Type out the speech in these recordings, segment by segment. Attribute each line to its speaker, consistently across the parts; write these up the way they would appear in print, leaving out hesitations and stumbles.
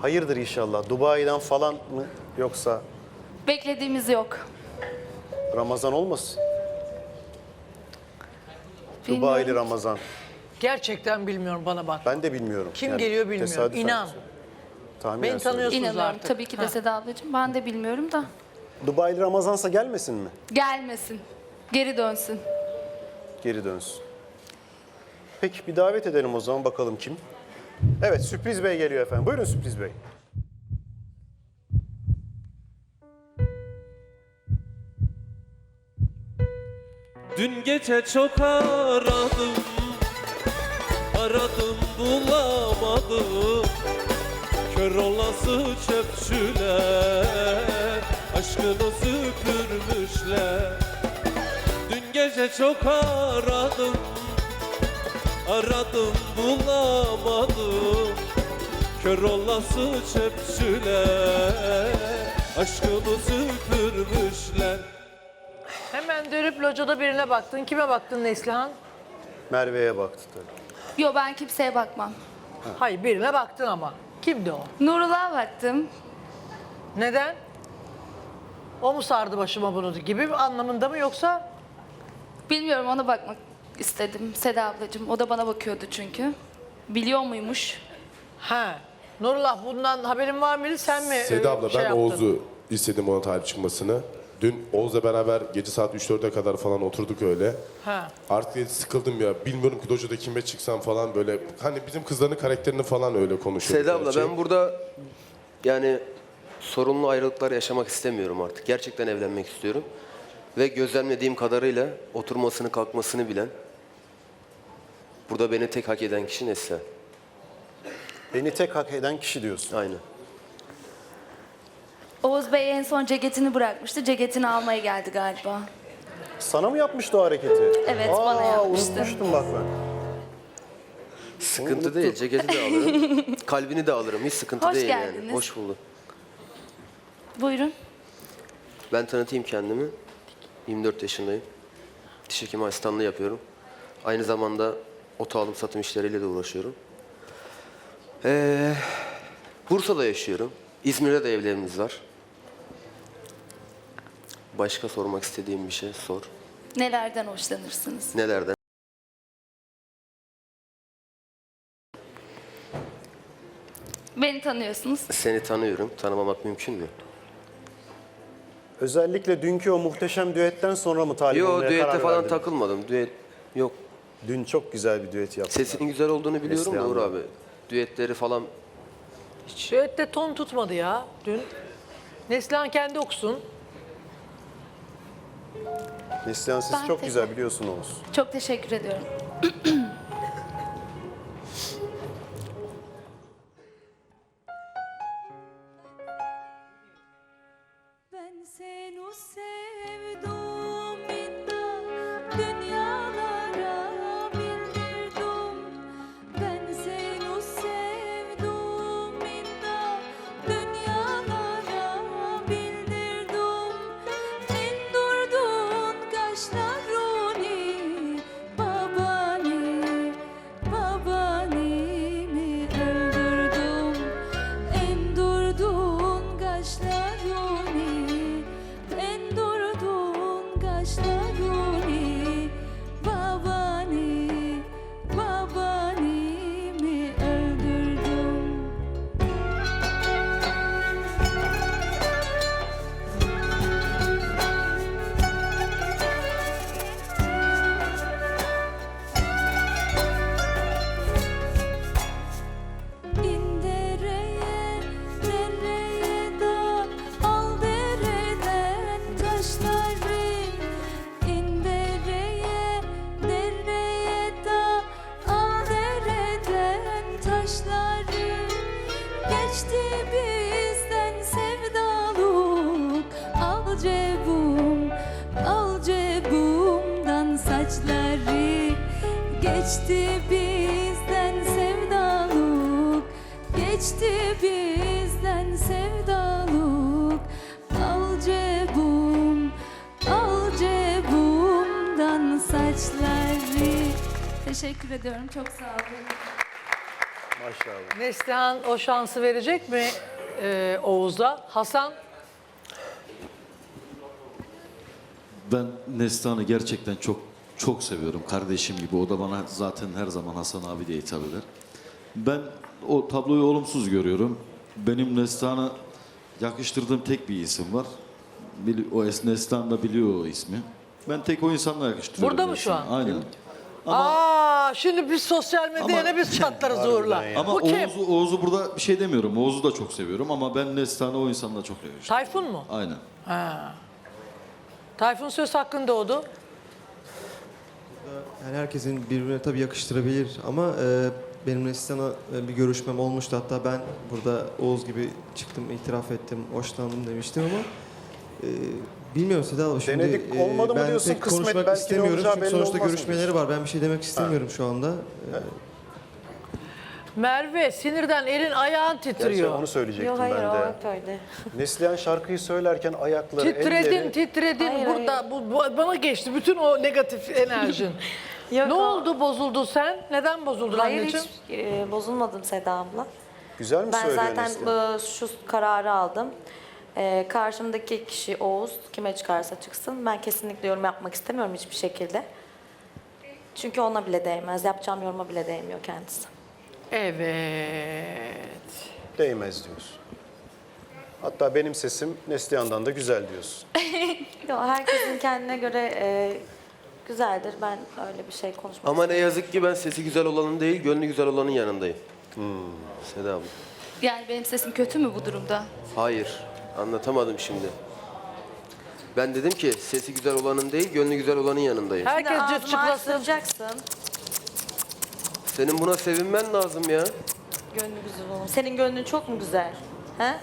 Speaker 1: Hayırdır inşallah. Dubai'den falan mı yoksa
Speaker 2: Beklediğimiz yok.
Speaker 1: Ramazan olmasın?
Speaker 2: Bilmiyorum.
Speaker 1: Dubai'li Ramazan.
Speaker 3: Gerçekten bilmiyorum, bana bak.
Speaker 1: Ben de bilmiyorum.
Speaker 3: Kim geliyor bilmiyorum.
Speaker 1: tesadüfen
Speaker 3: İnan.
Speaker 1: tahminen
Speaker 3: Beni tanıyorsun.
Speaker 1: söylüyorum.
Speaker 2: İnanıyorum
Speaker 3: artık.
Speaker 2: tabii ki de Seda ablacığım. Ben de bilmiyorum da.
Speaker 1: Dubai'li Ramazansa gelmesin mi?
Speaker 2: Gelmesin. Geri dönsün.
Speaker 1: Geri dönsün. Peki bir davet edelim o zaman, bakalım kim? Evet, Sürpriz Bey geliyor efendim. Buyurun Sürpriz Bey.
Speaker 4: Dün gece çok aradım, aradım bulamadım. Kör olası çöpçüler, aşkını süpürmüşler. Dün gece çok aradım, aradım bulamadım. Kör olası çöpçüler, aşkını süpürmüşler.
Speaker 3: Hemen dönüp locada birine baktın. Kime baktın Neslihan?
Speaker 1: Merve'ye baktı tabii.
Speaker 2: Yo, ben kimseye bakmam.
Speaker 3: Hayır, birine baktın ama. Kimdi o?
Speaker 2: Nurullah'a baktım.
Speaker 3: Neden? O mu sardı başıma bunu gibi bir anlamında mı, yoksa?
Speaker 2: Bilmiyorum, ona bakmak istedim Seda ablacığım. O da bana bakıyordu çünkü. Biliyor muymuş?
Speaker 3: Ha. Nurullah, bundan haberin var mıydı? Sen mi
Speaker 5: Seda abla
Speaker 3: şey
Speaker 5: ben
Speaker 3: yaptın?
Speaker 5: Oğuz'u istedim ona talip çıkmasını. Dün Oğuz'la beraber gece saat 3-4'e kadar falan oturduk öyle.
Speaker 3: Ha.
Speaker 5: Artık sıkıldım ya. Bilmiyorum ki dojada kime çıksam falan böyle. Hani bizim kızların karakterini falan öyle konuşuyorduk.
Speaker 6: Seda abla
Speaker 5: gerçi.
Speaker 6: ben burada yani sorunlu ayrılıklar yaşamak istemiyorum artık. Gerçekten evlenmek istiyorum. Ve gözlemlediğim kadarıyla oturmasını kalkmasını bilen, burada beni tek hak eden kişi Neslihan.
Speaker 1: Beni tek hak eden kişi diyorsun.
Speaker 6: Aynen.
Speaker 2: Oğuz Bey en son ceketini bırakmıştı. Ceketini almaya geldi galiba.
Speaker 1: Sana mı yapmıştı o hareketi?
Speaker 2: Evet, bana yapmıştı.
Speaker 1: Unutmuştum bak ben.
Speaker 6: Sıkıntı değil. Ceketi de alırım. Kalbini de alırım. Hiç sıkıntı
Speaker 2: Hoş
Speaker 6: değil
Speaker 2: geldiniz.
Speaker 6: yani. Hoş bulduk.
Speaker 2: Buyurun.
Speaker 6: Ben tanıtayım kendimi. 24 yaşındayım. Diş hekimi asistanlığı yapıyorum. Aynı zamanda oto alım satım işleriyle de uğraşıyorum. Bursa'da yaşıyorum. İzmir'de de evlerimiz var. Başka sormak istediğim bir şey sor.
Speaker 2: Nelerden hoşlanırsınız?
Speaker 6: Nelerden?
Speaker 2: Beni tanıyorsunuz.
Speaker 6: Seni tanıyorum. Tanımamak mümkün mü?
Speaker 1: Özellikle dünkü o muhteşem düetten sonra mı talip
Speaker 6: Yo,
Speaker 1: olmaya
Speaker 6: düette
Speaker 1: karar
Speaker 6: falan
Speaker 1: verdin?
Speaker 6: takılmadım. Düet yok.
Speaker 1: Dün çok güzel bir düet yaptın.
Speaker 6: Sesinin güzel olduğunu biliyorum da
Speaker 1: Neslihan'la.
Speaker 6: Uğur abi. Düetleri falan
Speaker 3: Düette ton tutmadı ya dün. Neslihan kendi okusun.
Speaker 1: Neslihan sesi
Speaker 2: Ben
Speaker 1: çok
Speaker 2: tek-
Speaker 1: güzel biliyorsun Oğuz.
Speaker 2: Çok teşekkür ediyorum.
Speaker 7: Ben seni sevdim inna dünyalara bildirdim. Ben seni sevdim inna dünyalara bildirdim. Endurdun kaşlarını babani babanimi öldürdüm. Endurdun kaşlarını endurdun kaşlarını babani babanimi öldürdüm. İndereye, dereye da al dereden taşları. İndereye, dereye da al dereden taşları. Geçti bizden sevdalık, al cebumdan saçları. Geçti bizden sevdalık, geçti bizden sevdalık. Al cebumdan saçları.
Speaker 2: Teşekkür ediyorum. Çok sağ olun.
Speaker 1: Maşallah.
Speaker 3: Neslihan o şansı verecek mi Oğuz'a? Hasan?
Speaker 8: Ben Neslihan'ı gerçekten çok seviyorum. Kardeşim gibi. O da bana zaten her zaman Hasan abi diye hitap eder. Ben o tabloyu olumsuz görüyorum. Benim Neslihan'a yakıştırdığım tek bir isim var. O Neslihan da biliyor o ismi. Ben tek o insanla yakıştırıyorum.
Speaker 3: Burada mı şu
Speaker 8: Neslihan'ı.
Speaker 3: an?
Speaker 8: Aynen.
Speaker 3: Şimdi biz sosyal medyaya ne biz çatlarız Uğur'la.
Speaker 8: Ama
Speaker 3: Bu kim?
Speaker 8: Oğuz'u burada bir şey demiyorum. Oğuz'u da çok seviyorum ama ben Neslihan'ı o insanla çok yakıştırıyorum.
Speaker 3: Tayfun mu?
Speaker 8: Aynen.
Speaker 3: Tayfun söz hakkın doğdu.
Speaker 9: Yani herkesin birbirine tabii yakıştırabilir ama benim Neslihan'a bir görüşmem olmuştu. Hatta ben burada Oğuz gibi çıktım, itiraf ettim, hoşlandım demiştim ama bilmiyorum Seda abla şimdi
Speaker 1: Denedik, olmadı mı
Speaker 9: ben
Speaker 1: diyorsun,
Speaker 9: pek
Speaker 1: kısmet
Speaker 9: konuşmak
Speaker 1: belki ne
Speaker 9: istemiyorum
Speaker 1: olacağı
Speaker 9: çünkü
Speaker 1: belli
Speaker 9: sonuçta
Speaker 1: olmaz
Speaker 9: görüşmeleri
Speaker 1: mı?
Speaker 9: var. Ben bir şey demek istemiyorum şu anda.
Speaker 3: Merve sinirden elin ayağın
Speaker 1: Gerçi
Speaker 3: titriyor.
Speaker 1: onu söyleyecektim
Speaker 10: Yok hayır
Speaker 1: ben
Speaker 10: o
Speaker 1: de.
Speaker 10: hep öyle.
Speaker 1: Neslihan şarkıyı söylerken ayakları,
Speaker 3: Titredin,
Speaker 1: elleri...
Speaker 3: titredin.
Speaker 10: Hayır,
Speaker 3: Burada bu bana geçti bütün o negatif enerjin.
Speaker 10: Yok,
Speaker 3: Ne
Speaker 10: o-
Speaker 3: oldu bozuldun sen? Neden bozuldun
Speaker 10: Hayır
Speaker 3: anneciğim?
Speaker 10: hiç bozulmadım Seda abla.
Speaker 1: Güzel mi
Speaker 10: Ben
Speaker 1: söylüyor
Speaker 10: zaten
Speaker 1: Neslihan?
Speaker 10: şu kararı aldım. Karşımdaki kişi Oğuz kime çıkarsa çıksın. Ben kesinlikle yorum yapmak istemiyorum hiçbir şekilde. Çünkü ona bile değmez. Yapacağım yoruma bile değmiyor kendisi.
Speaker 3: Evet.
Speaker 1: Değmez diyorsun. Hatta benim sesim Neslihan'dan da güzel diyorsun.
Speaker 10: Yok, herkesin kendine göre güzeldir. Ben öyle bir şey konuşmak
Speaker 6: Ama ne yazık ki ben sesi güzel olanın değil, gönlü güzel olanın yanındayım. Seda abla.
Speaker 2: Yani benim sesim kötü mü bu durumda?
Speaker 6: Hayır, anlatamadım şimdi. Ben dedim ki sesi güzel olanın değil, gönlü güzel olanın yanındayım.
Speaker 3: Herkes cırt
Speaker 10: Ağzımı
Speaker 3: çıklasın.
Speaker 10: açtıracaksın.
Speaker 6: Senin buna sevinmen lazım ya.
Speaker 10: Gönlü güzel olun. Senin gönlün çok mu güzel? He?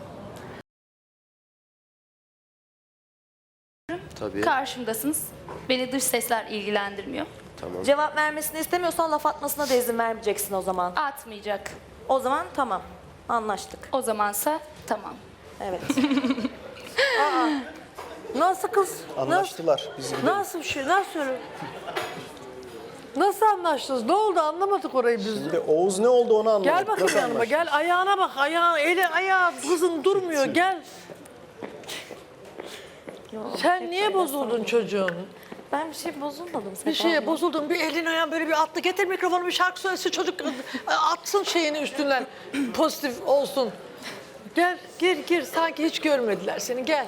Speaker 6: Tabii.
Speaker 2: Karşımdasınız. Beni dış sesler ilgilendirmiyor.
Speaker 6: Tamam.
Speaker 10: Cevap vermesini istemiyorsan laf atmasına da izin vermeyeceksin o zaman.
Speaker 2: Atmayacak.
Speaker 10: O zaman tamam. Anlaştık.
Speaker 2: O zamansa tamam.
Speaker 10: Evet.
Speaker 3: Nasıl kız?
Speaker 1: Anlaştılar. Biz gidelim.
Speaker 3: Nasıl bir şey? Nasıl öyle? Nasıl anlaştınız? Ne oldu anlamadık orayı biz.
Speaker 1: Şimdi Oğuz ne oldu onu anlamadık.
Speaker 3: Gel bakayım
Speaker 1: Nasıl
Speaker 3: yanıma
Speaker 1: anlaştık?
Speaker 3: gel ayağına bak ayağın eli ayağı kızın durmuyor gel. Sen niye bozuldun çocuğun?
Speaker 10: Ben bir şey bozulmadım.
Speaker 3: Bir şeye bozuldun bir elin ayağın böyle bir attı getir mikrofonu bir şarkı söylesin çocuk atsın şeyini üstünden pozitif olsun. Gel gir sanki hiç görmediler seni gel.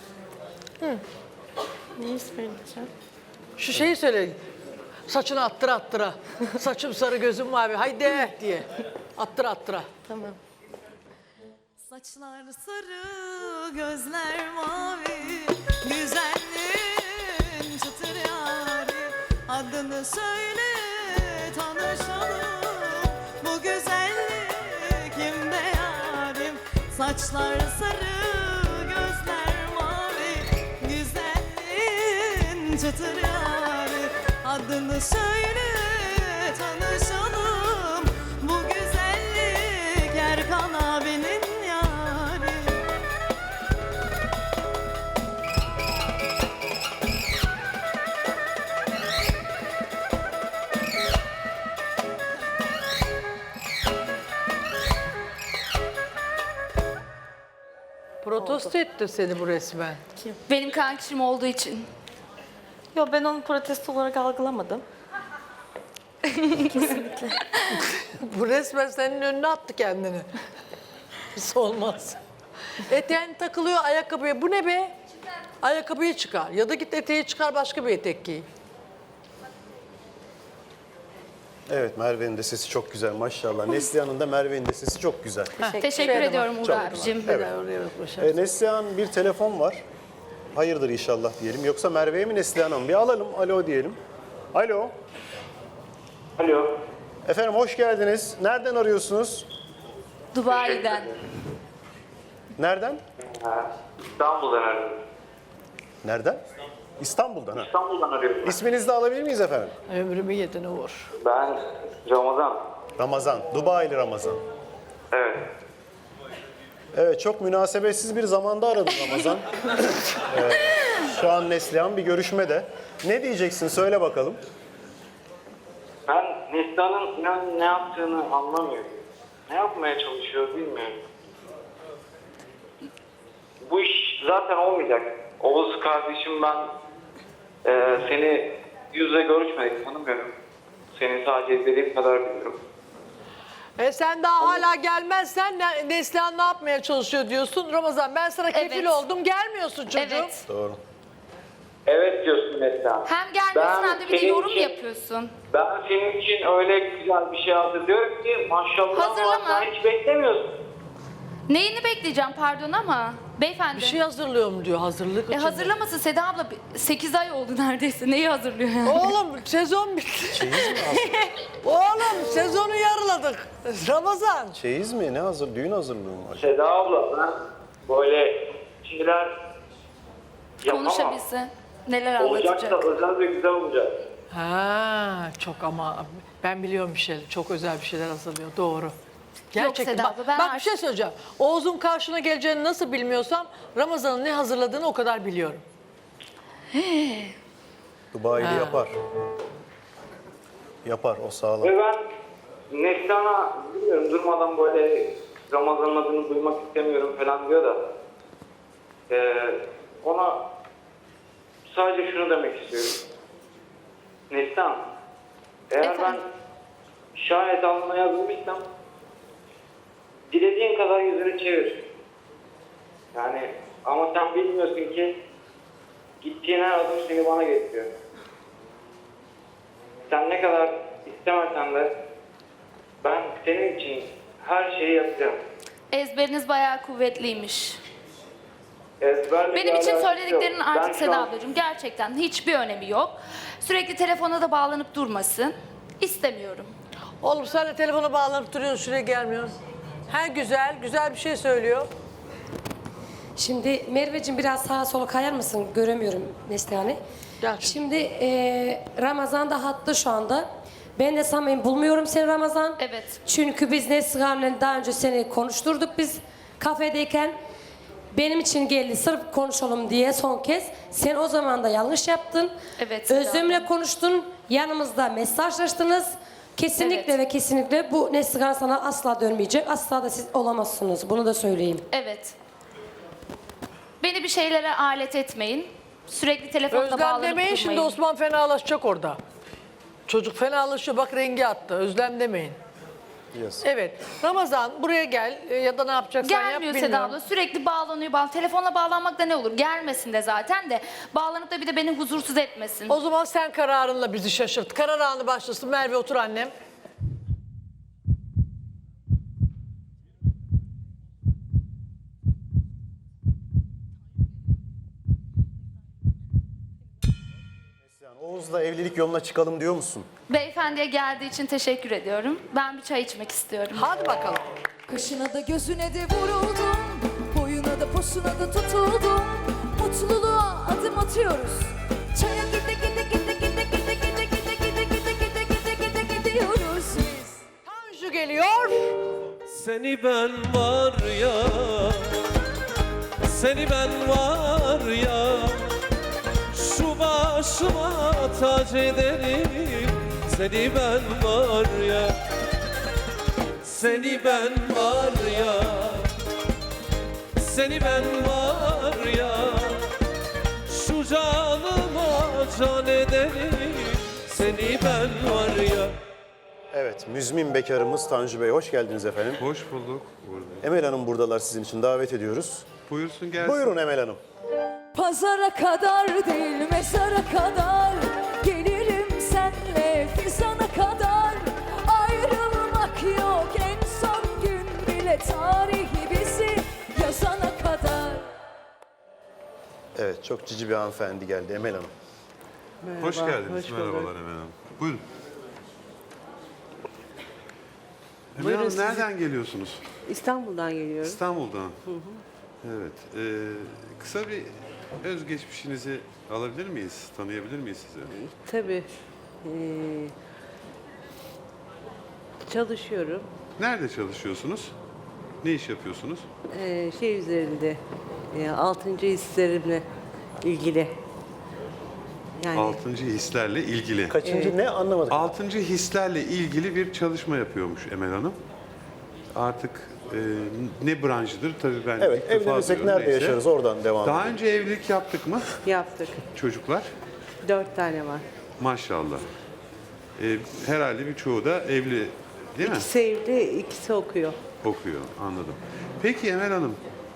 Speaker 10: Neyi söyleyeceğim?
Speaker 3: Şu şeyi söyle. Saçını attıra. Saçım sarı gözüm mavi. Haydi diye. Attıra.
Speaker 10: Tamam.
Speaker 7: Saçlar sarı, gözler mavi, güzelliğin çıtır yari. Adını söyle, tanışalım. Bu güzellik kimde yarim? Saçlar sarı, gözler mavi, güzelliğin çıtır yari. Adını söyle, tanışalım. Bu güzellik Erkan abinin yari.
Speaker 3: Protesto etti seni bu resmen.
Speaker 2: Benim kankişim olduğu için.
Speaker 10: Yok ben onu protesto olarak algılamadım.
Speaker 3: Bu resmen senin önüne attı kendini. Hiç olmaz. Eteğin takılıyor ayakkabıya. Bu ne be? Ayakkabıyı çıkar. Ya da git eteği çıkar başka bir etek giy.
Speaker 1: Evet, Merve'nin de sesi çok güzel maşallah. Neslihan'ın da Merve'nin de sesi çok güzel.
Speaker 2: Teşekkür
Speaker 3: Şöyle
Speaker 2: ediyorum
Speaker 3: bak,
Speaker 2: Uğur
Speaker 3: çok
Speaker 2: abicim.
Speaker 3: Evet. Oraya bak, başa.
Speaker 1: Neslihan bir telefon var. Hayırdır inşallah diyelim. Yoksa Merve'ye mi Neslihan'a mı? Bir alalım. Alo diyelim. Alo.
Speaker 11: Alo.
Speaker 1: Efendim hoş geldiniz. Nereden arıyorsunuz?
Speaker 2: Dubai'den.
Speaker 1: Nereden?
Speaker 11: İstanbul'dan arıyorum.
Speaker 1: Nereden? İstanbul'dan ha.
Speaker 11: İstanbul'dan arıyorum.
Speaker 1: İsminizi de alabilir miyiz efendim?
Speaker 3: Ömrümü yedin Uğur.
Speaker 11: Ben Ramazan.
Speaker 1: Ramazan. Dubai'li Ramazan.
Speaker 11: Evet.
Speaker 1: Evet çok münasebetsiz bir zamanda aradım Ramazan. Şu an Neslihan bir görüşmede. Ne diyeceksin söyle bakalım.
Speaker 11: Ben Neslihan'ın inan ne yaptığını anlamıyorum. ne yapmaya çalışıyor bilmiyorum. Bu iş zaten olmayacak. Oğuz kardeşim, ben seni yüz yüze görüşmedik, tanımıyorum. Seni sadece izlediğim kadar biliyorum.
Speaker 3: Sen daha hala gelmezsen Neslihan ne yapmaya çalışıyor diyorsun. Ramazan ben sana kefil
Speaker 2: Evet.
Speaker 3: oldum, gelmiyorsun çocuğum.
Speaker 2: Evet.
Speaker 1: Doğru.
Speaker 11: Evet diyorsun mesela.
Speaker 2: Hem gelmiyorsun
Speaker 11: Ben
Speaker 2: hem de bir de
Speaker 11: senin
Speaker 2: yorum
Speaker 11: için-
Speaker 2: yapıyorsun.
Speaker 11: Ben senin için öyle güzel bir şey hazırlıyorum ki maşallah
Speaker 2: Hazırlama.
Speaker 11: sen hiç beklemiyorsun.
Speaker 2: Neyini bekleyeceğim pardon ama beyefendi.
Speaker 3: Bir şey hazırlıyorum diyor, hazırlık için.
Speaker 2: Hazırlaması Seda abla 8 ay oldu neredeyse. Neyi hazırlıyor yani?
Speaker 3: Oğlum sezon bitti. Oğlum sezonu yarıladık. Ramazan.
Speaker 1: Çeyiz mi? Ne hazır? Düğün hazırlığı mı var?
Speaker 11: Seda abla, ben böyle şeyler yapamam.
Speaker 2: Konuşabilse neler
Speaker 11: Olacaksa
Speaker 2: anlatacak.
Speaker 11: özel ve güzel olacak.
Speaker 3: Ha, çok ama ben biliyorum bir şeyler. Çok özel bir şeyler hazırlıyor. Doğru. Gerçekten.
Speaker 2: Seda
Speaker 3: Bak,
Speaker 2: abla, ben
Speaker 3: bak bir şey söyleyeceğim. Oğuz'un karşına geleceğini nasıl bilmiyorsam Ramazan'ın ne hazırladığını o kadar biliyorum.
Speaker 1: Dubai'li yapar. Yapar, o sağlam.
Speaker 11: Ve ben Neslihan'a bilmiyorum durmadan böyle Ramazan'ın adını duymak istemiyorum falan diyor da ona sadece şunu demek istiyorum. Neslihan, eğer ben
Speaker 2: Efendim?
Speaker 11: şayet alnına yazılmışsam dilediğin kadar yüzünü çevir. Yani ama sen bilmiyorsun ki gittiğin her adım seni bana getiriyor. Sen ne kadar istemesen de ben senin için her şeyi yapacağım.
Speaker 2: Ezberiniz bayağı kuvvetliymiş.
Speaker 11: Ezberle
Speaker 2: Benim
Speaker 11: bir
Speaker 2: için
Speaker 11: alakası
Speaker 2: söylediklerinin
Speaker 11: yok. Ben
Speaker 2: artık
Speaker 11: şu
Speaker 2: Seda
Speaker 11: an-
Speaker 2: ablacığım gerçekten hiçbir önemi yok. Sürekli telefona da bağlanıp durmasın. İstemiyorum.
Speaker 3: Oğlum sen de telefona bağlanıp duruyorsun, şuraya gelmiyorsun. Her güzel bir şey söylüyor.
Speaker 12: Şimdi Merveciğim biraz sağa sola kayar mısın? Göremiyorum Neslihan'ı.
Speaker 3: Gel.
Speaker 12: Şimdi Ramazan da hatta şu anda. Ben de samimi bulmuyorum seni Ramazan.
Speaker 2: Evet.
Speaker 12: Çünkü biz Neslihan'la daha önce seni konuşturduk biz kafedeyken. Benim için geldi sırf konuşalım diye son kez. Sen o zaman da yanlış yaptın.
Speaker 2: Evet, Seda
Speaker 12: Özlem'le konuştun. Yanımızda mesajlaştınız. Kesinlikle
Speaker 2: Evet.
Speaker 12: ve kesinlikle bu Neslihan sana asla dönmeyecek. Asla da siz olamazsınız. Bunu da söyleyeyim.
Speaker 2: Evet. Beni bir şeylere alet etmeyin. Sürekli telefonla
Speaker 3: Özlem
Speaker 2: bağlanıp
Speaker 3: demeyin, şimdi
Speaker 2: durmayın.
Speaker 3: Osman fenalaşacak orada. Çocuk fenalaşıyor, bak rengi attı. Özlem demeyin.
Speaker 1: Yes.
Speaker 3: Evet, Ramazan buraya gel ya da ne yapacaksan yap
Speaker 2: Gelmiyor
Speaker 3: bilmiyorum.
Speaker 2: Seda abla. Sürekli bağlanıyor. Telefonla bağlanmak da ne olur? Gelmesin de zaten de. Bağlanıp da bir de beni huzursuz etmesin.
Speaker 3: O zaman sen kararınla bizi şaşırt. Karar anı başlasın. Merve otur annem.
Speaker 1: Oğuz'la evlilik yoluna çıkalım diyor musun?
Speaker 2: Beyefendiye geldiği için teşekkür ediyorum. Ben bir çay içmek istiyorum.
Speaker 3: Hadi bakalım.
Speaker 7: Kaşına da gözüne de vuruldum, boyuna da posuna da tutuldum. Mutluluğa adım atıyoruz. Çaya gide gide gide gide gide gide gide gide gide gide gide gide gidiyoruz biz.
Speaker 3: Tanju geliyor.
Speaker 4: Seni ben var ya, seni ben var ya, şu başıma tac ederim. Seni ben var ya, seni ben var ya, seni ben var ya, şu canıma can ederim. Seni ben var ya.
Speaker 1: Evet, müzmin bekarımız Tanju Bey. Hoş geldiniz efendim.
Speaker 13: Hoş bulduk.
Speaker 1: Emel Hanım buradalar, sizin için davet ediyoruz.
Speaker 13: Buyursun gelsin.
Speaker 1: Buyurun Emel Hanım.
Speaker 7: Pazara kadar değil mezara kadar gelirim senle fizana kadar. Ayrılmak yok en son gün bile tarihi bizi yazana kadar.
Speaker 1: Evet, çok cici bir hanımefendi geldi Emel Hanım.
Speaker 13: Hoş geldiniz. Merhabalar Emel Hanım. Buyurun. Emel Hanım nereden geliyorsunuz?
Speaker 14: İstanbul'dan geliyorum.
Speaker 13: İstanbul'dan. Evet. Kısa bir özgeçmişinizi alabilir miyiz? Tanıyabilir miyiz sizi?
Speaker 14: Tabii. Çalışıyorum.
Speaker 13: Nerede çalışıyorsunuz? Ne iş yapıyorsunuz?
Speaker 14: Şey üzerinde, 6. hislerimle ilgili. Yani
Speaker 13: 6. hislerle ilgili.
Speaker 1: Kaçıncı ne anlamadık.
Speaker 13: 6. hislerle ilgili bir çalışma yapıyormuş Emel Hanım. artık ne branşıdır tabii ben
Speaker 1: Evet,
Speaker 13: ilk defa
Speaker 1: evlenirsek
Speaker 13: duyuyorum,
Speaker 1: nerede
Speaker 13: neyse.
Speaker 1: yaşarız oradan devam
Speaker 13: Daha
Speaker 1: edelim.
Speaker 13: önce evlilik yaptık mı
Speaker 14: Yaptık.
Speaker 13: çocuklar?
Speaker 14: 4 tane var.
Speaker 13: Maşallah. Herhalde birçoğu da evli değil mi?
Speaker 14: İkisi evli, ikisi okuyor.
Speaker 13: Okuyor, anladım. Peki Emel Hanım,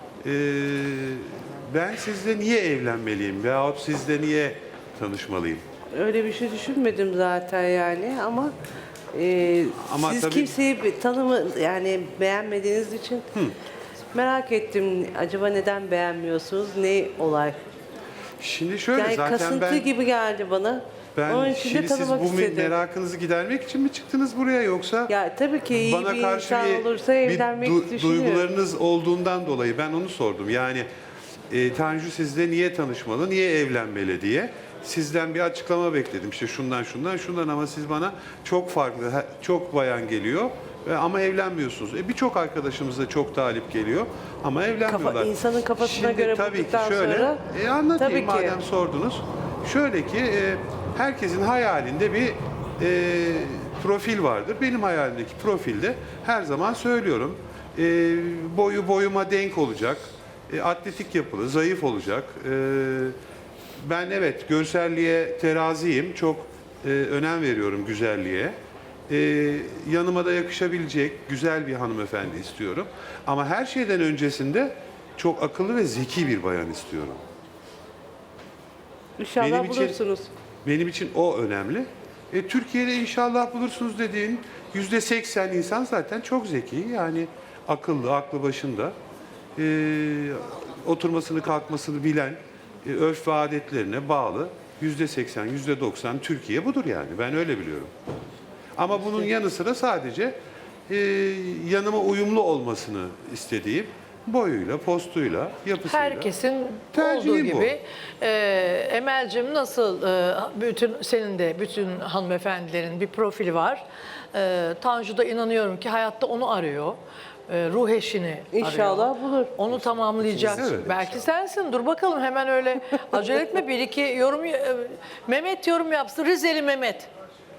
Speaker 13: ben sizle niye evlenmeliyim veyahut sizle niye tanışmalıyım?
Speaker 14: Öyle bir şey düşünmedim zaten yani ama,
Speaker 13: Ama
Speaker 14: siz
Speaker 13: tabii-
Speaker 14: kimseyi yani beğenmediğiniz için merak ettim. Acaba neden beğenmiyorsunuz? Ne olay?
Speaker 13: Şimdi şöyle
Speaker 14: Yani
Speaker 13: zaten
Speaker 14: kasıntı gibi geldi bana. Onun
Speaker 13: ben
Speaker 14: için de
Speaker 13: şimdi siz
Speaker 14: tanımak
Speaker 13: bu
Speaker 14: istedim.
Speaker 13: merakınızı gidermek için mi çıktınız buraya yoksa
Speaker 14: Ya tabii ki iyi
Speaker 13: bana
Speaker 14: bir
Speaker 13: karşı
Speaker 14: insan
Speaker 13: bir,
Speaker 14: olursa evlenmek düşünüyorum.
Speaker 13: duygularınız olduğundan dolayı ben onu sordum. Yani Tanju sizle niye tanışmalı, niye evlenmeli diye. Sizden bir açıklama bekledim. İşte şundan ama siz bana çok farklı, çok bayan geliyor ama evlenmiyorsunuz. Birçok arkadaşımız da çok talip geliyor ama evlenmiyorlar.
Speaker 14: İnsanın kafasına
Speaker 13: Şimdi
Speaker 14: göre
Speaker 13: tabii ki
Speaker 14: bulduktan
Speaker 13: şöyle,
Speaker 14: sonra
Speaker 13: anlatayım
Speaker 14: tabii ki.
Speaker 13: madem sordunuz. Şöyle ki herkesin hayalinde bir profil vardır. Benim hayalimdeki profilde her zaman söylüyorum. Boyu boyuma denk olacak. Atletik yapılı, zayıf olacak. Ben evet görselliğe teraziyim. Çok önem veriyorum güzelliğe. Yanıma da yakışabilecek güzel bir hanımefendi istiyorum. Ama her şeyden öncesinde çok akıllı ve zeki bir bayan istiyorum.
Speaker 14: İnşallah bulursunuz.
Speaker 13: Benim için o önemli. Türkiye'de inşallah bulursunuz dediğin %80 insan zaten çok zeki. Yani akıllı, aklı başında. Oturmasını kalkmasını bilen, örf ve adetlerine bağlı %80, %90 Türkiye budur yani. Ben öyle biliyorum. Ama bunun yanı sıra sadece yanıma uyumlu olmasını istediğim boyuyla, postuyla, yapısıyla.
Speaker 3: Herkesin
Speaker 13: Tercihim
Speaker 3: olduğu
Speaker 13: bu.
Speaker 3: gibi Emel'cim nasıl senin de bütün hanımefendilerin bir profili var. Tanju da inanıyorum ki hayatta onu arıyor. Ruh eşini
Speaker 14: İnşallah
Speaker 3: arıyor.
Speaker 14: bulur.
Speaker 3: Onu tamamlayacak.
Speaker 13: Evet,
Speaker 3: Belki sensin. Dur bakalım hemen öyle acele etme. Bir iki yorum Mehmet yorum yapsın. Rizeli Mehmet.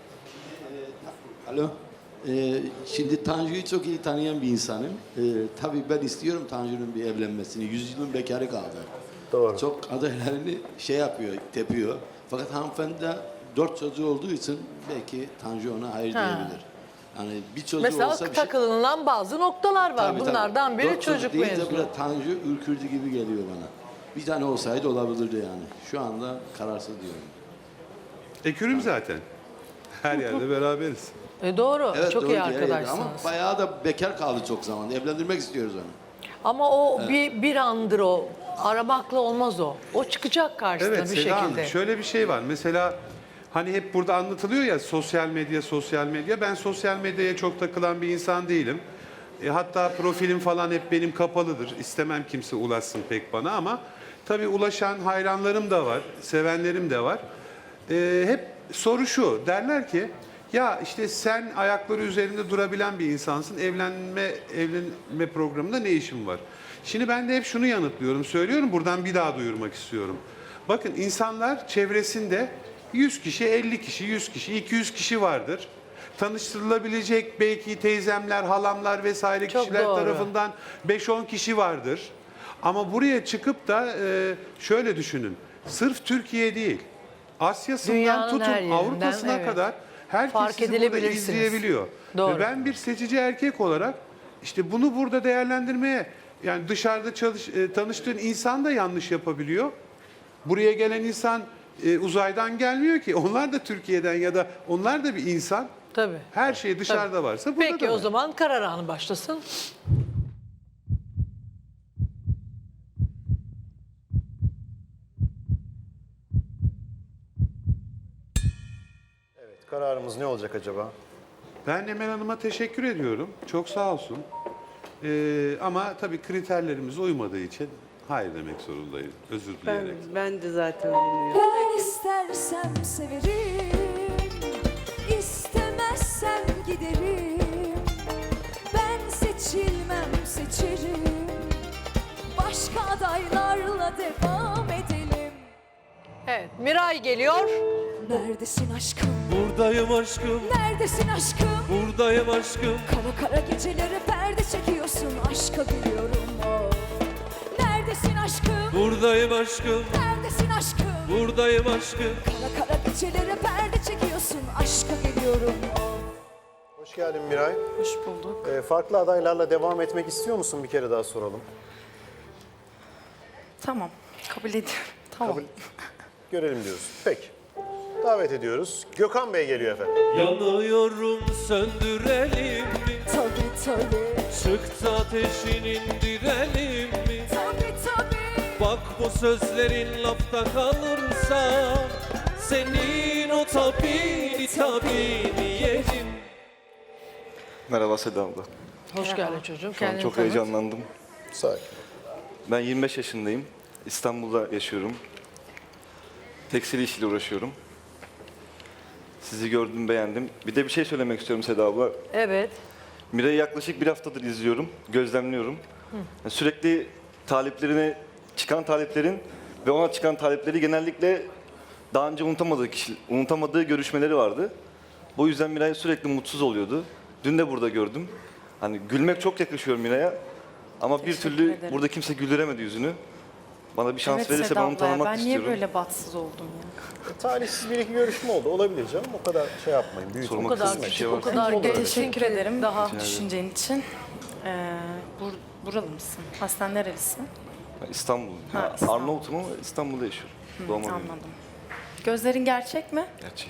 Speaker 15: Alo. Şimdi Tanju'yu çok iyi tanıyan bir insanım. Tabii ben istiyorum Tanju'nun bir evlenmesini. 100 yılın bekarı kaldı.
Speaker 1: Doğru.
Speaker 15: Çok adaylarını yapıyor, tepiyor. Fakat hanımefendi de 4 çocuğu olduğu için belki Tanju ona hayır diyebilir. Yani bir çocuğu
Speaker 3: Mesela
Speaker 15: olsa bir şey...
Speaker 3: takılınan bazı noktalar var.
Speaker 15: Tabii,
Speaker 3: Bunlardan
Speaker 15: tabii.
Speaker 3: biri
Speaker 15: 4
Speaker 3: çocuk
Speaker 15: deyince
Speaker 3: mevzu.
Speaker 15: böyle Tanju ürkürdü gibi geliyor bana. Bir tane olsaydı olabilirdi yani. Şu anda kararsız diyorum.
Speaker 13: Ekürüm zaten. Her yerde beraberiz.
Speaker 3: Doğru.
Speaker 15: Evet,
Speaker 3: çok
Speaker 15: doğru
Speaker 3: iyi
Speaker 15: diyor, evet.
Speaker 3: arkadaşsınız.
Speaker 15: Ama bayağı da bekar kaldı çok zaman. Evlendirmek istiyoruz onu.
Speaker 3: Ama o bir andır o. Aramakla olmaz o. O çıkacak karşısına
Speaker 13: Evet
Speaker 3: bir
Speaker 13: Seda Hanım,
Speaker 3: şekilde.
Speaker 13: şöyle bir şey var. Mesela hani hep burada anlatılıyor ya sosyal medya. Ben sosyal medyaya çok takılan bir insan değilim. Hatta profilim falan hep benim kapalıdır. İstemem kimse ulaşsın pek bana ama tabii ulaşan hayranlarım da var, sevenlerim de var. Hep soru şu, derler ki ya işte sen ayakları üzerinde durabilen bir insansın, evlenme programında ne işin var? Şimdi ben de hep şunu yanıtlıyorum, söylüyorum buradan bir daha duyurmak istiyorum. Bakın insanlar çevresinde 100 kişi, 50 kişi, 100 kişi, 200 kişi vardır. Tanıştırılabilecek belki teyzemler, halamlar vesaire
Speaker 3: Çok
Speaker 13: kişiler
Speaker 3: doğru.
Speaker 13: tarafından 5-10 kişi vardır. Ama buraya çıkıp da şöyle düşünün, sırf Türkiye değil, Asya'sından
Speaker 3: Dünyanın
Speaker 13: tutun
Speaker 3: her yerinden,
Speaker 13: Avrupa'sına
Speaker 3: evet.
Speaker 13: kadar herkes
Speaker 3: Fark
Speaker 13: sizi burada
Speaker 3: edilebilirsiniz.
Speaker 13: izleyebiliyor.
Speaker 3: Doğru.
Speaker 13: Ve ben bir seçici erkek olarak işte bunu burada değerlendirmeye, yani dışarıda tanıştığın insan da yanlış yapabiliyor. Buraya gelen insan uzaydan gelmiyor ki. Onlar da Türkiye'den ya da onlar da bir insan.
Speaker 3: Tabii.
Speaker 13: Her şey dışarıda varsa burada
Speaker 3: Peki
Speaker 13: da
Speaker 3: o
Speaker 13: var.
Speaker 3: zaman karar anı başlasın.
Speaker 1: Evet, kararımız ne olacak acaba?
Speaker 13: Ben Emel Hanım'a teşekkür ediyorum. Çok sağ olsun. Ama tabii kriterlerimize uymadığı için hayır demek zorundayım. Özür dileyerek.
Speaker 14: Ben de zaten bilmiyorum.
Speaker 7: Ben istersem severim, istemezsem giderim. Ben seçilmem seçerim, başka adaylarla devam edelim.
Speaker 3: Evet, Miray geliyor.
Speaker 7: Neredesin aşkım?
Speaker 4: Buradayım aşkım.
Speaker 7: Neredesin aşkım?
Speaker 4: Buradayım aşkım,
Speaker 7: Kara kara gecelere perde çekiyorsun, aşka gülüyorum of. Neredesin aşkım?
Speaker 4: buradayım aşkım,
Speaker 7: Neredesin aşkım?
Speaker 4: buradayım aşkım.
Speaker 7: Kara kara gecelere perde çekiyorsun, aşka geliyorum of.
Speaker 1: Hoş geldin Miray.
Speaker 2: Hoş bulduk.
Speaker 1: Farklı adaylarla devam etmek istiyor musun? Bir kere daha soralım.
Speaker 2: Tamam. Kabul ediyorum. Tamam.
Speaker 1: Kabul- Görelim diyoruz. Peki. Davet ediyoruz. Gökhan Bey geliyor efendim.
Speaker 4: Yanıyorum, söndürelim mi?
Speaker 7: Tabii tabii,
Speaker 4: Çıktı ateşin, indirelim mi?
Speaker 7: tabii tabii.
Speaker 4: Bak bu sözlerin lafta kalırsa senin o tabini yerim.
Speaker 16: Merhaba Seda abla.
Speaker 3: Hoş geldin çocuğum.
Speaker 16: Şu an çok heyecanlandım.
Speaker 1: Sağ ol.
Speaker 16: Ben 25 yaşındayım. İstanbul'da yaşıyorum. Tekstil işiyle uğraşıyorum. Sizi gördüm, beğendim. Bir de bir şey söylemek istiyorum Seda abla.
Speaker 3: Evet.
Speaker 16: Miray'ı yaklaşık bir haftadır izliyorum, gözlemliyorum. Yani sürekli taliplerine çıkan taliplerin ve ona çıkan talipleri genellikle daha önce unutamadığı görüşmeleri vardı. Bu yüzden Miray sürekli mutsuz oluyordu. Dün de burada gördüm. Hani gülmek çok yakışıyor Miray'a. Ama bir türlü
Speaker 2: ederim.
Speaker 16: burada kimse güldüremedi yüzünü. Bana bir şans verirse ben onu tanımak istiyorum.
Speaker 2: bahtsız oldum ya?
Speaker 1: Talihsiz bir iki görüşme oldu. Olabilir canım. O kadar şey yapmayın. Büyütün.
Speaker 16: Sormak
Speaker 3: kadar
Speaker 16: istediğiniz bir şey var.
Speaker 3: o kadar
Speaker 1: Olur öyle.
Speaker 2: Teşekkür ederim
Speaker 3: Daha
Speaker 16: ederim.
Speaker 2: düşüncen için. Buralı mısın? Aslen nerelisin?
Speaker 16: Ben İstanbul.
Speaker 2: Ha,
Speaker 16: Ya,
Speaker 2: İstanbul.
Speaker 16: Arnavut'um ama İstanbul'da yaşıyorum. Doğma büyüme.
Speaker 2: Anladım. Gözlerin gerçek mi?
Speaker 16: Gerçek.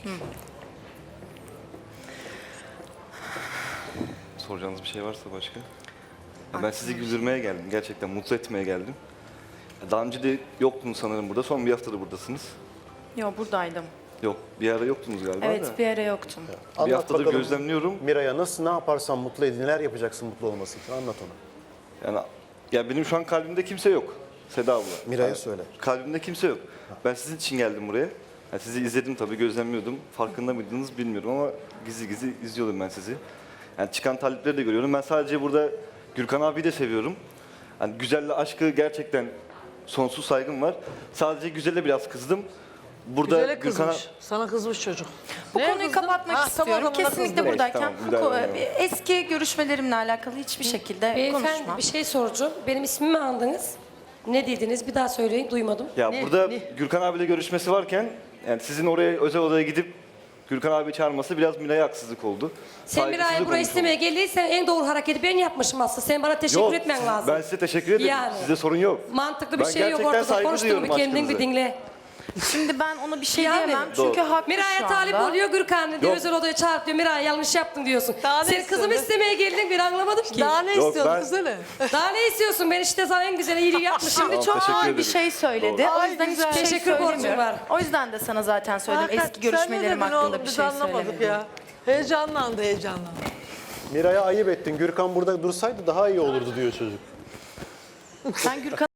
Speaker 16: Soracağınız bir şey varsa başka? Ya ben sizi güldürmeye geldim. Gerçekten mutlu etmeye geldim. Daha önce de yoktunuz sanırım burada. Son bir haftadır buradasınız.
Speaker 2: Yok, buradaydım.
Speaker 16: Yok, bir ara yoktunuz galiba da.
Speaker 2: Evet, bir ara yoktum.
Speaker 16: Bir
Speaker 1: Anlat
Speaker 16: haftadır
Speaker 1: bakalım.
Speaker 16: gözlemliyorum.
Speaker 1: Miray'a nasıl, ne yaparsan mutlu edin, neler yapacaksın mutlu olması için? Anlat ona.
Speaker 16: Yani ya benim şu an kalbimde kimse yok. Seda abla.
Speaker 1: Miray'a
Speaker 16: Yani
Speaker 1: söyle.
Speaker 16: Kalbimde kimse yok. Ben sizin için geldim buraya. Yani sizi izledim tabii, gözlemliyordum. Farkında mıydınız bilmiyorum ama gizli gizli izliyordum ben sizi. Yani çıkan talipleri de görüyorum. Ben sadece burada Gürkan abiyi de seviyorum. Yani Güzel'le aşkı gerçekten sonsuz saygım var. Sadece Güzel'e biraz kızdım. Burada
Speaker 3: Güzele
Speaker 16: Gürkan'a...
Speaker 3: kızmış. Sana kızmış çocuk.
Speaker 2: Bu
Speaker 3: Neye
Speaker 2: konuyu
Speaker 3: kızdın?
Speaker 2: kapatmak
Speaker 3: Ha, tam
Speaker 2: istiyorum.
Speaker 3: adamına
Speaker 2: Kesinlikle
Speaker 3: kızdın.
Speaker 2: buradayken
Speaker 16: Tamam, müdahale edemem.
Speaker 2: eski görüşmelerimle alakalı hiçbir şekilde
Speaker 12: Beyefendi
Speaker 2: konuşmam.
Speaker 12: bir şey soracağım. Benim ismimi andınız. Ne dediniz? Bir daha söyleyin, duymadım.
Speaker 16: Ya
Speaker 3: Ne-
Speaker 16: burada
Speaker 3: ne?
Speaker 16: Gürkan abiyle görüşmesi varken yani sizin oraya özel odaya gidip Gürkan abi çağırması biraz Miray'a haksızlık oldu.
Speaker 12: Sen bir ay
Speaker 16: Saygısızlık
Speaker 12: buraya
Speaker 16: olmuş
Speaker 12: istemeye
Speaker 16: oldu.
Speaker 12: geldiysen en doğru hareketi ben yapmışım aslında. Sen bana teşekkür
Speaker 16: Yok,
Speaker 12: etmen lazım.
Speaker 16: ben size teşekkür ederim.
Speaker 12: Yani.
Speaker 16: Size sorun yok.
Speaker 12: Mantıklı bir
Speaker 16: Ben
Speaker 12: şey yok
Speaker 16: gerçekten
Speaker 12: ortada.
Speaker 16: saygı
Speaker 12: Konuştuğun
Speaker 16: duyuyorum
Speaker 12: bir kendin bir
Speaker 16: aşkınıza.
Speaker 12: dinle.
Speaker 2: Şimdi ben ona bir şey
Speaker 12: Yani.
Speaker 2: diyemem
Speaker 16: Doğru.
Speaker 2: çünkü haklı
Speaker 12: Miray'a
Speaker 2: şu
Speaker 12: talip
Speaker 2: anda.
Speaker 12: oluyor Gürkan diyor.
Speaker 16: Yok.
Speaker 12: Özel odaya çağırıp diyor. Miray yanlış yaptın diyorsun.
Speaker 3: Daha ne
Speaker 12: Sen kızımı
Speaker 3: istiyorsun?
Speaker 12: istemeye geldin bir anlamadım ki.
Speaker 3: Daha ne
Speaker 16: Yok,
Speaker 3: istiyordun
Speaker 16: ben-
Speaker 3: kızını?
Speaker 12: Daha ne istiyorsun? Ben işte sana en güzel iyiliği yapmışım.
Speaker 16: Tamam,
Speaker 2: Çok
Speaker 16: teşekkür
Speaker 2: ağır bir
Speaker 16: ederim.
Speaker 2: şey söyledi.
Speaker 16: Doğru.
Speaker 2: O
Speaker 3: Ay,
Speaker 2: yüzden
Speaker 3: güzel.
Speaker 2: hiçbir şey
Speaker 12: Teşekkür borcum
Speaker 2: söylemiyorum.
Speaker 12: var.
Speaker 2: O yüzden de sana zaten söyledim.
Speaker 3: Hakan,
Speaker 2: Eski görüşmelerim
Speaker 3: sen ne dedin
Speaker 2: hakkında
Speaker 3: oğlum?
Speaker 2: bir
Speaker 3: Biz
Speaker 2: şey
Speaker 3: anlamadık
Speaker 2: söylemedim.
Speaker 3: ya. Heyecanlandı.
Speaker 1: Miray'a ayıp ettin. Gürkan burada dursaydı daha iyi olurdu diyor çocuk.
Speaker 2: Sen Gürkan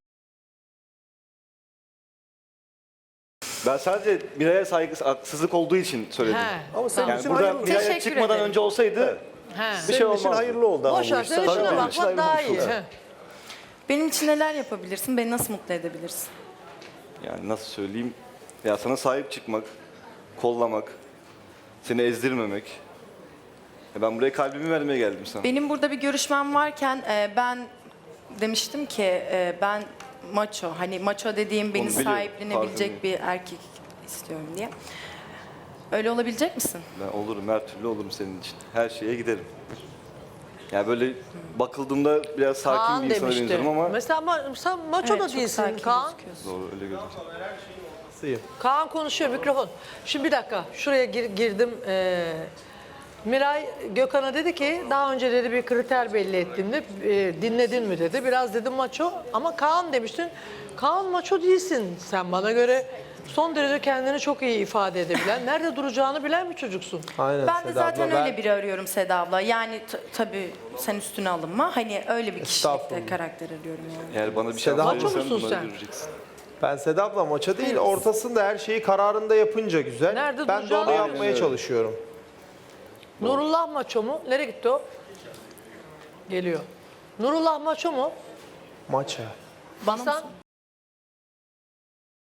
Speaker 16: Ben sadece Miray'a haksızlık olduğu için söyledim.
Speaker 3: He.
Speaker 1: Ama senin
Speaker 16: Yani
Speaker 1: için
Speaker 16: burada
Speaker 1: hayırlı.
Speaker 16: Miray'a
Speaker 2: Teşekkür
Speaker 16: çıkmadan
Speaker 2: ederim.
Speaker 16: önce olsaydı
Speaker 3: He.
Speaker 16: bir şey
Speaker 1: Senin için
Speaker 16: olmazdı.
Speaker 1: hayırlı oldu ama
Speaker 3: Boş
Speaker 1: bu
Speaker 3: ver,
Speaker 1: iş.
Speaker 3: sen
Speaker 1: Tabii,
Speaker 3: işine
Speaker 1: benim
Speaker 3: bak.
Speaker 1: için
Speaker 3: Bak
Speaker 1: hayırlı
Speaker 3: daha
Speaker 1: olmuş
Speaker 3: iyi.
Speaker 1: oldu.
Speaker 3: He.
Speaker 2: benim için neler yapabilirsin? Beni nasıl mutlu edebilirsin?
Speaker 16: Yani nasıl söyleyeyim? Ya sana sahip çıkmak, kollamak, seni ezdirmemek. Ya ben buraya kalbimi vermeye geldim sana.
Speaker 2: Benim burada bir görüşmem varken ben demiştim ki ben maço, hani maço dediğim beni
Speaker 16: Onu biliyorum,
Speaker 2: sahiplenebilecek
Speaker 16: farkındayım.
Speaker 2: bir erkek istiyorum diye. Öyle olabilecek misin?
Speaker 16: Ben olurum, her türlü olurum senin için. Her şeye giderim. Yani böyle bakıldığında biraz sakin
Speaker 3: Kaan
Speaker 16: bir insana
Speaker 3: demişti.
Speaker 16: benziyorum ama
Speaker 3: Mesela sen maço da
Speaker 2: Evet, çok
Speaker 3: değilsin
Speaker 2: sakin
Speaker 3: Kaan.
Speaker 2: gözüküyorsun.
Speaker 16: doğru öyle gözüküyor.
Speaker 3: Kaan konuşuyor mikrofon. Şimdi bir dakika şuraya girdim. Miray Gökhan'a dedi ki daha önce dedi bir kriter belli ettim de dinledin mi dedi. Biraz dedim maço ama Kaan demiştin. Kaan maço değilsin sen bana göre. Son derece kendini çok iyi ifade edebilen, nerede duracağını bilen bir çocuksun.
Speaker 9: Aynen
Speaker 2: Ben de
Speaker 9: Seda
Speaker 2: zaten
Speaker 9: abla,
Speaker 2: öyle biri arıyorum Seda abla. Yani tabii sen üstüne alınma. Hani öyle bir kişilikte
Speaker 9: Estağfurullah.
Speaker 2: karakter arıyorum yani.
Speaker 16: Eğer bana bir şey
Speaker 9: Seda,
Speaker 3: maço
Speaker 16: verirsen
Speaker 3: musun
Speaker 16: bunları
Speaker 3: sen?
Speaker 16: göreceksin.
Speaker 9: Ben Seda abla maça değil, ortasında her şeyi kararında yapınca güzel.
Speaker 3: Nerede
Speaker 9: ben de
Speaker 3: duracağını
Speaker 9: onu yapmaya
Speaker 16: biliyorsun.
Speaker 9: çalışıyorum.
Speaker 3: Nurullah maço mu? Nereye gitti o? Geliyor. Nurullah maço mu?
Speaker 9: Maça.
Speaker 2: Bana
Speaker 3: Sen
Speaker 2: mı?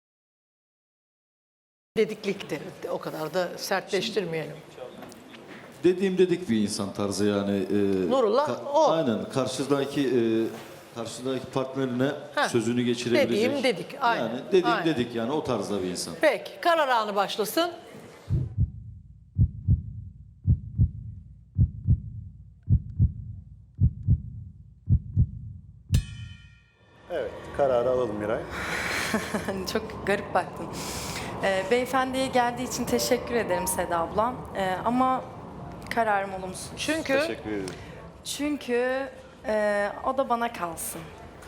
Speaker 3: dediklikti. O kadar da sertleştirmeyelim.
Speaker 8: dediğim dedik bir insan tarzı yani.
Speaker 3: Nurullah, o.
Speaker 8: Aynen karşıdaki partnerine
Speaker 3: Heh,
Speaker 8: sözünü geçirebilecek.
Speaker 3: dediğim dedik, aynen.
Speaker 8: Yani dediğim
Speaker 3: Aynen.
Speaker 8: dedik yani o tarzda bir insan.
Speaker 3: Peki karar anı başlasın.
Speaker 1: Evet, kararı alalım Miray.
Speaker 17: Çok garip baktın. Beyefendiye geldiği için teşekkür ederim Seda ablam. Ama kararım olumsuz.
Speaker 3: Çünkü
Speaker 16: Teşekkür ederim.
Speaker 17: Çünkü o da bana kalsın.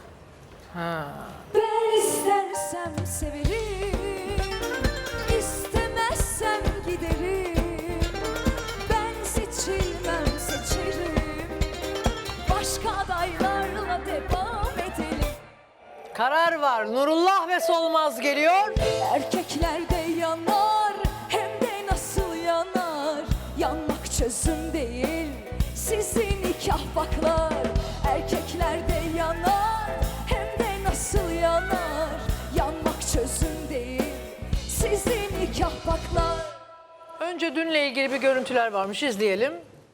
Speaker 7: Ben istersem severim, istemezsem giderim. Ben seçilmem seçerim, başka adaylarla devam edelim.
Speaker 3: karar var. Nurullah ve Solmaz geliyor.
Speaker 7: Erkekler de yanar, hem de nasıl yanar. Yanmak çözüm değil, sizin nikah baklar. Erkekler de yanar, hem de nasıl yanar. Yanmak çözüm değil, sizin nikah baklar.
Speaker 3: Önce dünle ilgili bir görüntüler varmış, izleyelim.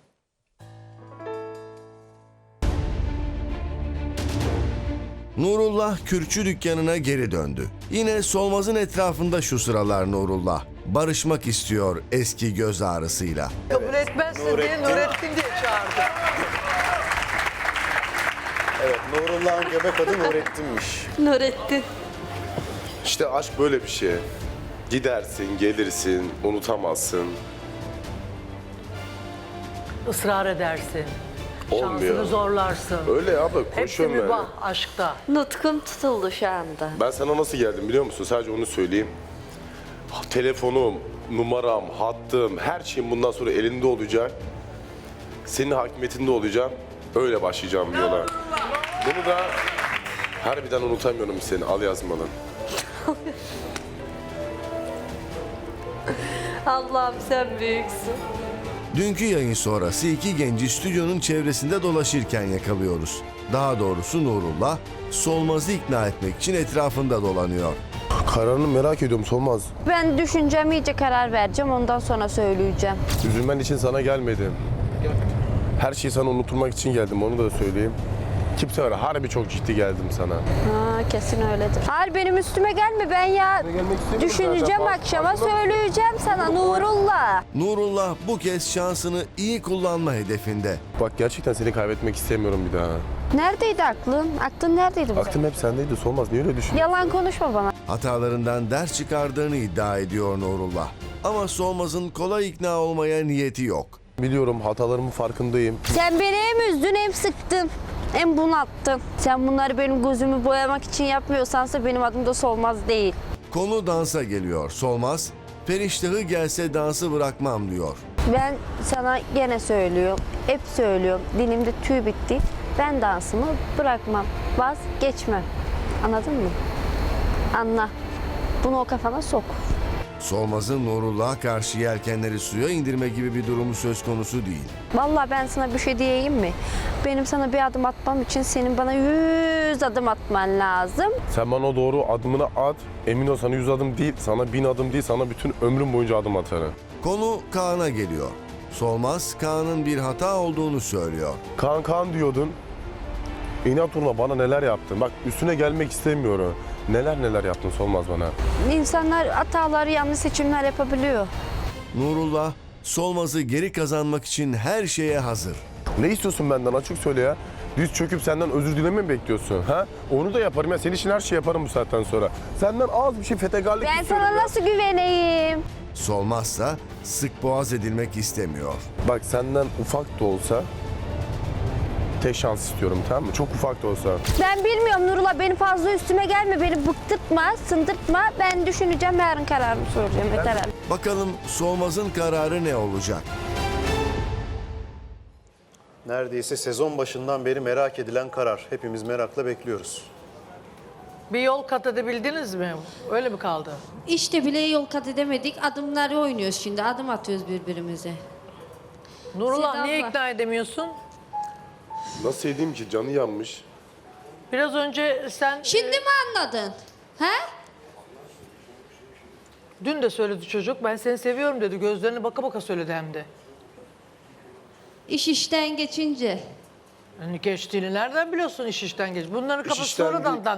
Speaker 18: Nurullah kürkçü dükkanına geri döndü. Yine Solmaz'ın etrafında şu sıralar Nurullah. Barışmak istiyor eski göz ağrısıyla.
Speaker 3: Kabul etmezsin diye Nurettin diye çağırdı.
Speaker 1: Evet, Nurullah'ın göbek adı Nurettin'miş.
Speaker 10: Nurettin.
Speaker 5: İşte aşk böyle bir şey. Gidersin, gelirsin, unutamazsın.
Speaker 3: Israr edersin.
Speaker 5: Olmuyor.
Speaker 3: Şansını zorlarsın.
Speaker 5: Öyle abla,
Speaker 3: Hepsi
Speaker 5: konuşuyorum yani.
Speaker 3: mübah aşkta.
Speaker 10: Nutkum tutuldu şu anda.
Speaker 5: Ben sana nasıl geldim biliyor musun? Sadece onu söyleyeyim. Telefonum, numaram, hattım, her şeyim bundan sonra elinde olacak. Senin hakimiyetinde olacağım. Öyle başlayacağım yola. Bunu da harbiden unutamıyorum seni. Al yazmalı.
Speaker 10: Allah'ım sen büyüksün.
Speaker 18: Dünkü yayın sonrası iki genci stüdyonun çevresinde dolaşırken yakalıyoruz. Daha doğrusu Nurullah, Solmaz'ı ikna etmek için etrafında dolanıyor.
Speaker 5: Kararını merak ediyorum Solmaz.
Speaker 10: Ben düşüneceğim, iyice karar vereceğim, ondan sonra söyleyeceğim.
Speaker 5: Üzülmen için sana gelmedim. Her şeyi sana unutturmak için geldim, onu da söyleyeyim. Kimse var, harbi çok ciddi geldim sana.
Speaker 10: Ha, kesin öyledir. Hayır benim üstüme gelme, ben ya düşüneceğim,
Speaker 5: zaten.
Speaker 10: akşama söyleyeceğim sana Nurullah.
Speaker 18: Nurullah bu kez şansını iyi kullanma hedefinde.
Speaker 5: Bak gerçekten seni kaybetmek istemiyorum bir daha.
Speaker 10: Neredeydi aklın? Aklın neredeydi bu?
Speaker 5: Aklım hep sendeydi Solmaz, niye öyle düşünüyorsun?
Speaker 10: Yalan konuşma bana.
Speaker 18: Hatalarından ders çıkardığını iddia ediyor Nurullah. Ama Solmaz'ın kolay ikna olmaya niyeti yok.
Speaker 5: Biliyorum, hatalarımın farkındayım.
Speaker 10: Sen beni hem üzdün hem sıktın. Hem bunalttın. Sen bunları benim gözümü boyamak için yapmıyorsansa benim adım da Solmaz değil.
Speaker 18: Konu dansa geliyor. Solmaz, periştahı gelse dansı bırakmam diyor.
Speaker 10: Ben sana gene söylüyorum. Hep söylüyorum. Dilimde tüy bitti. Ben dansımı bırakmam. Vazgeçmem. Anladın mı? Anla. Bunu o kafana sok.
Speaker 18: Solmaz'ın Nurullah'a karşı yelkenleri suya indirme gibi bir durumu söz konusu değil.
Speaker 10: Vallahi ben sana bir şey diyeyim mi? Benim sana bir adım atmam için senin bana 100 adım atman lazım.
Speaker 5: Sen bana o doğru adımını at. Emin ol sana 100 adım değil, sana 1000 adım değil, sana bütün ömrüm boyunca adım atarım.
Speaker 18: Konu Kaan'a geliyor. Solmaz, Kaan'ın bir hata olduğunu söylüyor.
Speaker 5: Kaan diyordun. İnat uğruna bana neler yaptın. Bak üstüne gelmek istemiyorum. Neler yaptın Solmaz bana.
Speaker 10: İnsanlar hataları, yanlış seçimler yapabiliyor.
Speaker 18: Nurullah, Solmaz'ı geri kazanmak için her şeye hazır.
Speaker 5: Ne istiyorsun benden, açık söyle ya. Düz çöküp senden özür dileme mi bekliyorsun? Ha? Onu da yaparım ya. Senin için her şeyi yaparım bu saatten sonra. Senden az bir şey fetegarlık
Speaker 10: Ben
Speaker 5: istiyorum
Speaker 10: sana
Speaker 5: ya.
Speaker 10: nasıl güveneyim?
Speaker 18: Solmazsa sık boğaz edilmek istemiyor.
Speaker 5: Bak senden ufak da olsa tek şans istiyorum, tamam mı? Çok ufak da olsa.
Speaker 10: Ben bilmiyorum Nurullah, beni fazla üstüme gelme, beni bıktırtma, sındırtma. Ben düşüneceğim, yarın kararımı soracağım. Yeter artık.
Speaker 18: Bakalım Solmaz'ın kararı ne olacak?
Speaker 1: Neredeyse sezon başından beri merak edilen karar. Hepimiz merakla bekliyoruz.
Speaker 3: Bir yol kat edebildiniz mi? Öyle mi kaldı?
Speaker 19: İşte bile yol kat edemedik. Adımları oynuyoruz şimdi. Adım atıyoruz birbirimize.
Speaker 3: Nurullah
Speaker 19: Seda
Speaker 3: niye
Speaker 19: abla.
Speaker 3: ikna edemiyorsun?
Speaker 5: Nasıl edeyim ki? Canı yanmış.
Speaker 3: Biraz önce sen...
Speaker 19: Şimdi mi anladın? He?
Speaker 3: Dün de söyledi çocuk. Ben seni seviyorum dedi. Gözlerine baka baka söyledi hem de.
Speaker 19: İş işten geçince.
Speaker 3: Geçtiğini nereden biliyorsun iş işten geç? Bunların kafası
Speaker 1: işten
Speaker 3: sonradan